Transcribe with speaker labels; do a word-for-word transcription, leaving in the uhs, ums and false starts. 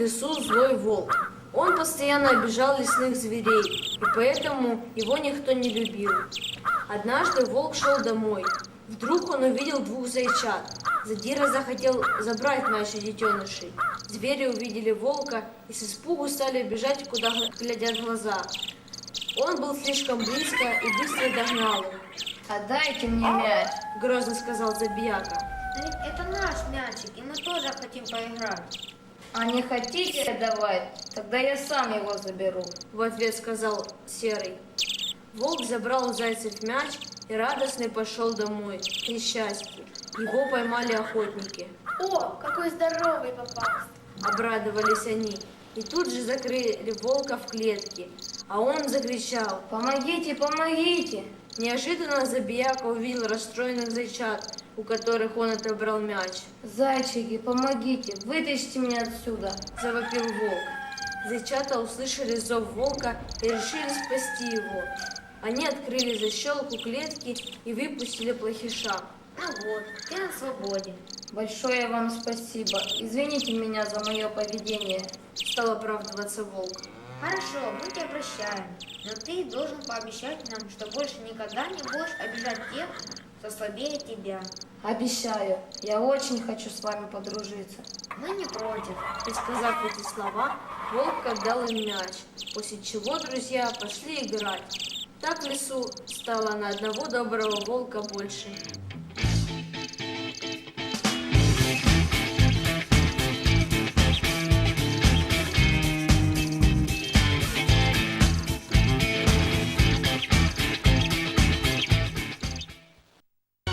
Speaker 1: лесу злой волк. Он постоянно обижал лесных зверей, и поэтому его никто не любил. Однажды волк шел домой. Вдруг он увидел двух зайчат. Задира захотел забрать мяч у детенышей. Звери увидели волка и с испугу стали бежать, куда глядят глаза. Он был слишком близко и быстро догнал их.
Speaker 2: «Отдайте мне мяч»,
Speaker 1: — грозно сказал Забияка.
Speaker 3: Но ведь это наш мячик, и мы тоже хотим поиграть.
Speaker 2: «А не хотите отдавать? Тогда я сам его заберу»,
Speaker 1: — в ответ сказал Серый. Волк забрал у зайцев мяч и радостный пошел домой. К несчастью, его поймали охотники.
Speaker 4: О, какой здоровый попался!
Speaker 1: Обрадовались они и тут же закрыли волка в клетке, а он закричал:
Speaker 2: «Помогите, помогите!»
Speaker 1: Неожиданно Забияка увидел расстроенных зайчат, у которых он отобрал мяч.
Speaker 2: «Зайчики, помогите, вытащите меня отсюда!»
Speaker 1: — завопил волк. Зайчата услышали зов волка и решили спасти его. Они открыли защелку клетки и выпустили плохиша.
Speaker 3: Ну вот, ты на свободе.
Speaker 2: «Большое вам спасибо. Извините меня за мое поведение»,
Speaker 1: — стал оправдываться волк.
Speaker 3: Хорошо, мы тебя прощаем, но ты должен пообещать нам, что больше никогда не будешь обижать тех, кто слабее тебя.
Speaker 2: «Обещаю, я очень хочу с вами подружиться».
Speaker 3: Мы не против.
Speaker 1: И, сказав эти слова, волк отдал им мяч, после чего друзья пошли играть. Так в лесу стало на одного доброго волка больше.